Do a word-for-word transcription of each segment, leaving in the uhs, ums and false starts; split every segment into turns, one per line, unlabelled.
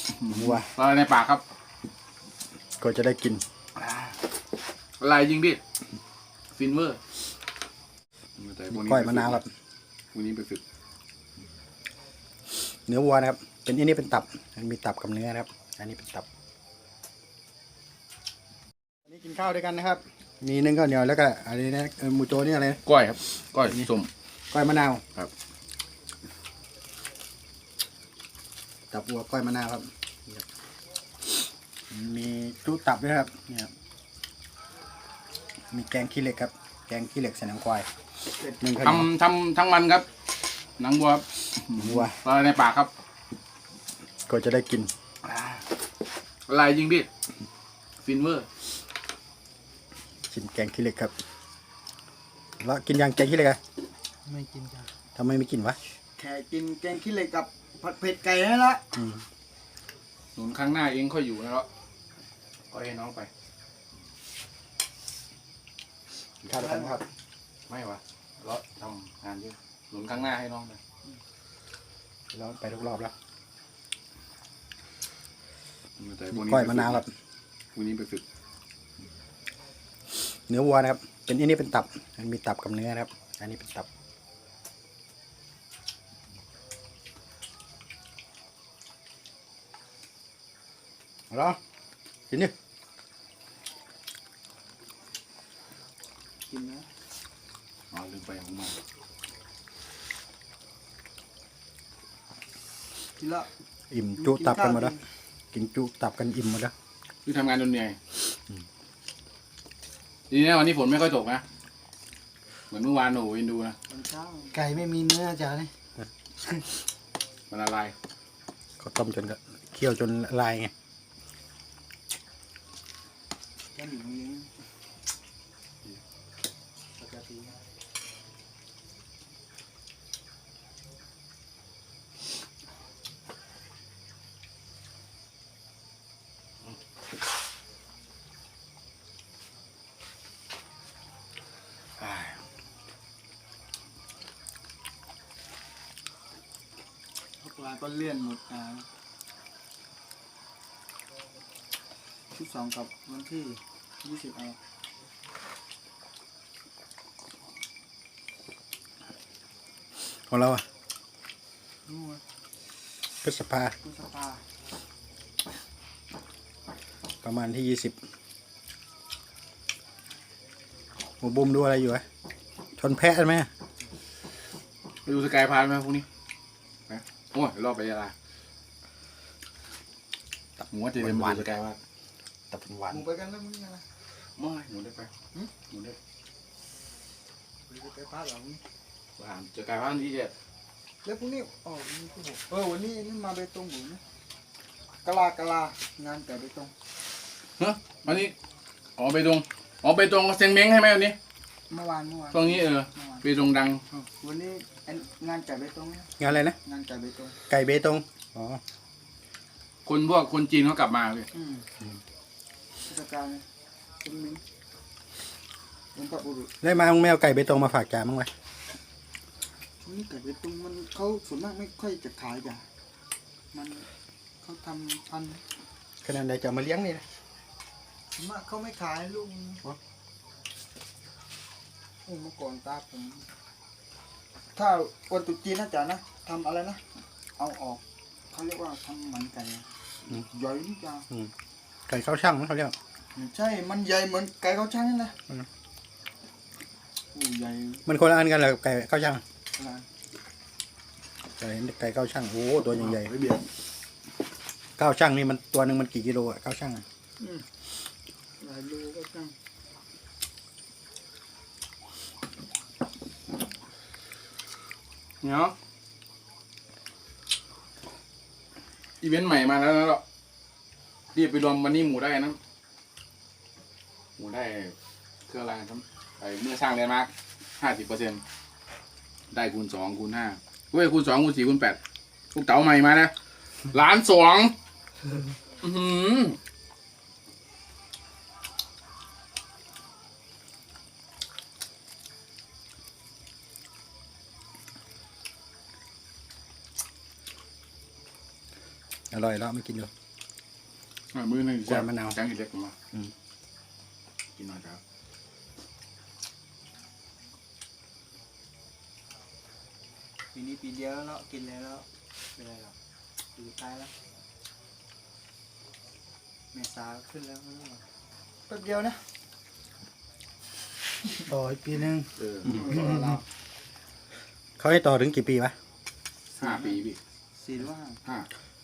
วัว
อะไรในปากครับ
ก็จะได้กิน
อะไรจริงพี่ฟินเวอร์
ก้อยมะนาวครับ
วันนี้ไปฝึก
เนื้อวัวนะครับเป็นอันนี้เป็นตับมันมีตับกับเนื้อนะครับอันนี้เป็นตับอันนี้กินข้าวด้วยกันนะครับมีนึ่งข้าวเหนียวแล้วก็อันนี้นะหมูโจนี่อะไร
ก้อยครับก้อยส้ม
ก้อยมะนาว
ครับ
ตับวัวก้อยมะนาวครับมีจุตับด้วยครับนี่ครับมีแกงขี้เหล็กครับแกงขี้เหล็กใส่หนังควายนึ่งข้าวเหนียว
ทำทำทั้งมันครับหนังวัวครับ
วัว
อะไรในปากครับ
ก็จะได้กิน
อะไรจริงพี่ฟินเวอร์
กินแกงขี้เหล็กครับแล้วกินยังแกงขี้เหล็กอะ
ไม่กินจ้ะ
ทำไมไม่กินวะ
แค่กินแกงขี้เหล็กกับผัดเผ็ดไก่นั่นละ
หนุนข้างหน้าเองค่อยอยู่นะแล้วก็ให้น้องไป
ข้าวกันครับ
ไม่วะแล้วทำงานเยอะหนุนข้างหน้าให้น้องไป
แล้วไปทุกรอบแล้ว
ก้
อยมะนาวครับ
วันนี้ไปฝึก
เนื้อวัวนะครับเป็นอันนี้เป็นตับมันมีตับกับเนื้อนะครับอันนี้เป็นตับเอาละกินดิ
กินนะ
อ๋อลืมไปของมัน
กินละ
อิ่มจุตับกันหมดแล้วกินจุตับกันอิ่มหมดแล้ว
คือทำงานจนเหนื่อยดีนะวันนี้ฝนไม่ค่อยตกนะเหมือนเมื่อวานโอ้ยดูนะ
ไก่ไม่มีเนื้อจ้ะนี่
มันละลาย
เขาต้มจนเคี่ยวจนละลายไง
แค่หนึ่งเลี้ยงปกติพวกเราก็เลื่อนหมดอ่าที่สองกับวันที่ยี่สิบเอา
ของเราอ่ะ
นู่น
พฤษภา
พฤษภา
ประมาณที่ยี่สิบหมูบุ้มดูอะไรอยู่วะชนแพะไหม
ไปดูสกายพานไหมพวกนี้นะโอ้ยรอบไปยาลาตับหมูจะเรียนดูสกายพาน
ตับเป็นหวาน
หมูไปกันแล้วมึงนะ
ไม่หนูได้ไปหนูได้
ไปไปพาหลัง
ไปหาสกายพานที่เจ็ด
แล้วพรุ่งนี้อ๋อวันนี้พวกผมเออวันนี้นี่มาเบตงหมูนะกะลากะลางานแต่เบตง
เฮ้ยวันนี้อ๋อไปตรงอ๋อไปตรงเซงเม้งให้ไหมวันนี้
เมื่อวานเมื่อวาน
ตรงนี้เออไปตรงดัง
วันนี้งานไก่เบตง
งานอะไรนะ
งานไก่เบตง
ไก่เบตงอ๋อ
คนพวกคนจีนเขากลับมาเลย
เทศกาลเป็นมิ้งเป็นปะบุรุษ
ได้มาแมวไก่เบตงมาฝากจ่ามั้งไหม
นี่ไก่เบตงมันเขาส่วนมากไม่ค่อยจะขายจ้ะมันเขาทำพัน
ขนาดใดจะมาเลี้ยงนี่นะ
ส่วนมากเขาไม่ขายลุงโอ้เมื่อก่อนตาผมถ้าวันตุจีนนะจ๊ะนะทำอะไรนะเอาออกเขาเรียกว่าทำหมันไก่ใหญ่นี่จ้ะ
ไก่ข้าวช่างเขาเรียก
ใช่มันใหญ่เหมือนไก่ข้าวช่างนี่นะโอ้ใหญ่
มันคนละอันกันเหรอไก่ข้าวช่างไก่ไก่ข้าวช่างโอ้ตัวใหญ่ๆข้าวช่างนี่มันตัวหนึ่งมันกี่กิโลอะข้าวช่าง
หลายโลก็ช่าง
เนาะอีเวนต์ใหม่มาแล้วนะเรารีบไปรวมวันนี้หมูได้นะหมูได้เครื่องรางครับไปเมื่อสร้างเลยมาห้าสิบเปอร์เซ็นต์ได้คูณสองคูณห้าเว้ยคูณสองคูณสี่คูณแปดลูกเต๋าใหม่มาแล้วล้านสองอือ
อร่อยแล้วไม่กินอยู่
อ่ะมือหนึ่ง
กล้วยมะนาว
แกงขี้เหล็กมา
อืม
กินหน่อยครับ
ปีนี้ปีเดียวแล้วเนาะกินแล้วแล้วเป็นไรหรอกอยู่ตายแล้วเมษาขึ้นแล้วไม่รู้หรอกแป๊บเดียวนะ
ต่ออีกปีนึง
เออ
เรา
เขาให้ต่อถึงกี่ปีวะ
ห้าปีพี่
สี่หรือว่าห้า
ห้า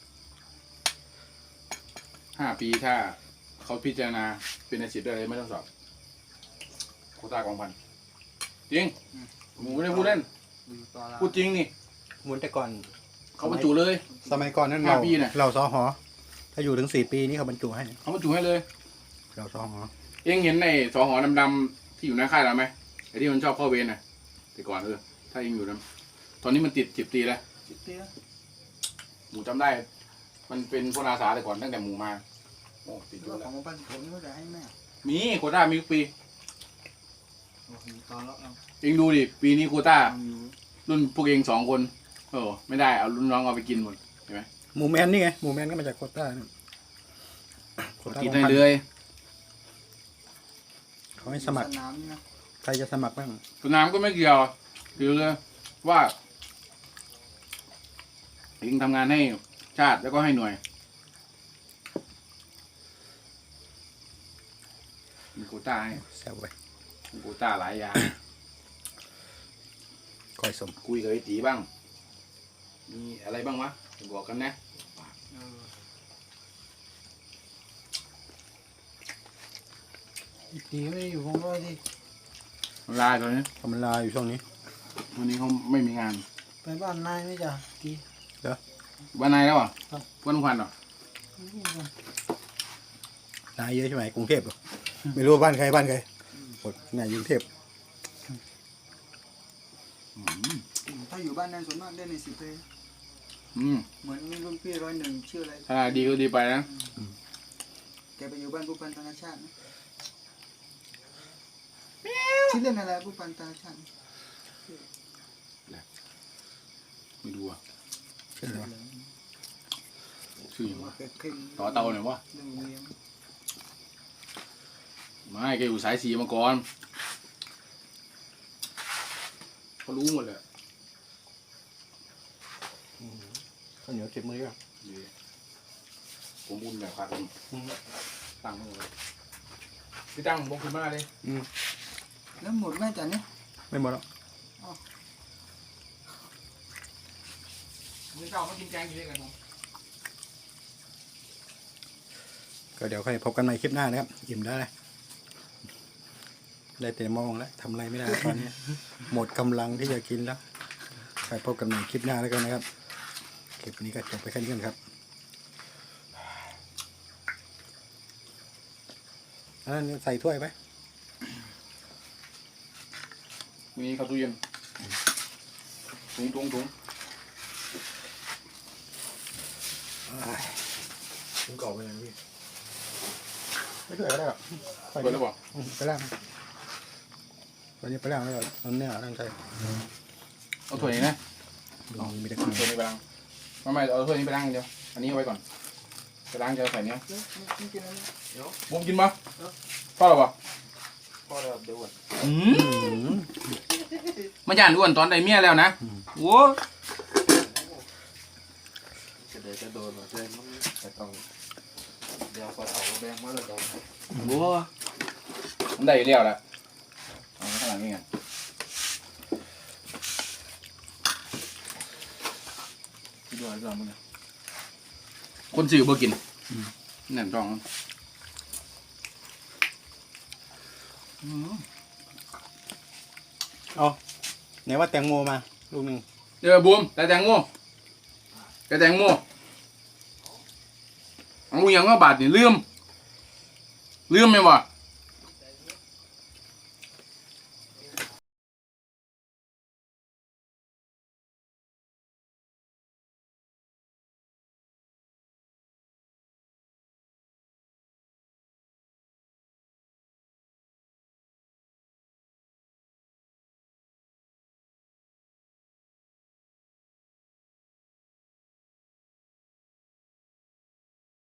ห้าปีถ้าเขาพิจารณาเป็นอาชีพได้เลยไม่ต้องสอบโควต้ากองพันจริงหมูไม่ได้พูดเล่น
อยู่ต่อเรา
พูดจริงนี่
หมุนแต่ก่อน
เขาบรรจุเลย
สมัยก่อนนั้น
ห้า
เรา
ปีน่ะ
เราซอหอ ถ้าอยู่ถึงสี่ปีนี่เขาบรรจุให้
เขาบรรจุให้เลย
เราซอหอ
เอ็งเห็นในสอหอดำๆที่อยู่หน้าค่ายเราไหมไอ้ที่มันชอบเข้าเวรน่ะแต่ก่อนเออถ้าเอ็งอยู่นะตอนนี้มันติดสิบปีแล้ว
สิบปีแล้ว
หมูจำได้ มันเป็นคนอาสาแต่ก่อนตั้งแต่หมูมาโอ้ติด
ห
อ
รือยู่ ว่าข
แล้
อ
ว
งมาปั้นผมนี่ก็จะให้แม่
มีโควต้ามีทุกปี
โอ้โหต่อแล้วเอา
เอ็งดูดิปีนี้โควต้า
เอาอยู่
รุ่นพวกเองสองคนโอ้ไม่ได้เอารุ่นน้องเอาไปกินหมดเห็นไหม
หมูแมนนี่ไงหมูแมนก็มาจากโควต้าเนี่ยโควต้า
กิน
ของ
ได้
พัน
เลย
เขาให้สมัคร
สนามนี่นะ
ใครจะสมัครบ้าง
สนามก็ไม่เกี่ยวคือว่าเองทำงานให้ชาติแล้วก็ให้หน่วยมีโควต้าให้
แซวไป
มีโควต้าหลายอย่าง
คอยสม
คุยกับไอ้ตีบ้าง มีอะไรบ้างวะบอกกันนะ
เออ
อีกทีไม่อยู่ของร้อยที่
ลาตอนนี้
ทำลาอยู่ช่วงนี้
วันนี้เขาไม่มีงาน
ไปบ้านนายไหม่จ้ะกี่
วันไหนแล้วอ่ะ
ครับ
วันพันเหรอน
ายเยอะใช่ไหมกรุงเทพเหรอไม่รู้ว่าบ้านใครบ้านใครหมดนายกรุงเทพ
อืม
ถ้าอยู่บ้านนายส่วนมากได้ในสิบเลย
อืม
เหมือนมีรุ่นพี่ร้อยหนึ่งชื่ออะไร
ถ้าดีก็ดีไปนะ
แกไปอยู่บ้านผู้พันธนาชาตินะชื่อเล่นอะไรผู้พันธนาชาติ
ไม่ดูอ่ะ
ใช่ไหม
ชื่ออย่างวะ
แกเข่ง
ต่อเตาหน่อยวะ
เรื่องเลี้ยง
ไม่แกอยู่สายสีมาก่อนเขารู้หมดเลย
ข้าวเหนียวเจ็บมืออ่ะ
ผมบุญแบบครับผมตั้งมือเลยพี่ตั้งบอกขึ้นมาเลย
แล้วหมดแม่จันเนี่ย
ไม่หมดหรอก
มึงเจ้ามากินแกงอยู่ด้วยกันผม
ก็เดี๋ยวค่อยพบกันใหม่คลิปหน้านะครับอิ่มแล้วนะได้แต่มองแล้วทำอะไรไม่ได้ตอนนี้ หมดกำลังที่จะกินแล้วไปพบกันใหม่คลิปหน้าแล้วกันนะครับคลิปนี้ก็จบไปแค่นี้กันครับอันนั้นใส่ถ้วยไหม
มีข้าวตู้เย็นถุงถุงถุง
ถึงกรอบไปเลยพี่ไม่ถ้วยก็ได้หรอก
เปิดแล้วบอก
อืมไปล่างวันนี้ไปล่างแล้วก็เอาเนื้อตั้งใจ
เอาถ้วยนี้นะ
ลองมีแต่
เอา
คน
ถ้วยนี้ไปล้างไม่ไม่เอาถ้วยนี้ไปล้างอย่างเดียวอันนี้เอาไว้ก่อนไปล้างจะใส่เนี้ย
แล้วไม่กินอะไรเดี๋ยว
บุ้มกินปะพ่อหรอปะ
พอแล้วเดี๋ยวก่อน
อืม
อืม
มันย่านอ้วนตอนได้เมียแล้วนะโว้
จะเดี๋ยวจะโดนหรอเดี๋ยวมันจะต้องเดี๋ยวพอเอาแบงมาแล้วเดี๋ยว
โว้มันได้อยู่แล้วแหละเอาไว้ข้างหลังนี่ไงพี่ดูอะไรบ้างมึงเนี่ยคนสื่อบ่กินนั่นต้องอืม
เอาไหนว่าแตงโมมาลูกหนึ่ง
เดี๋ยวบูมแต่แตงโมแต่แตงโมเอาอย่างว่าบาทนี่ลืมลืมไหมวะ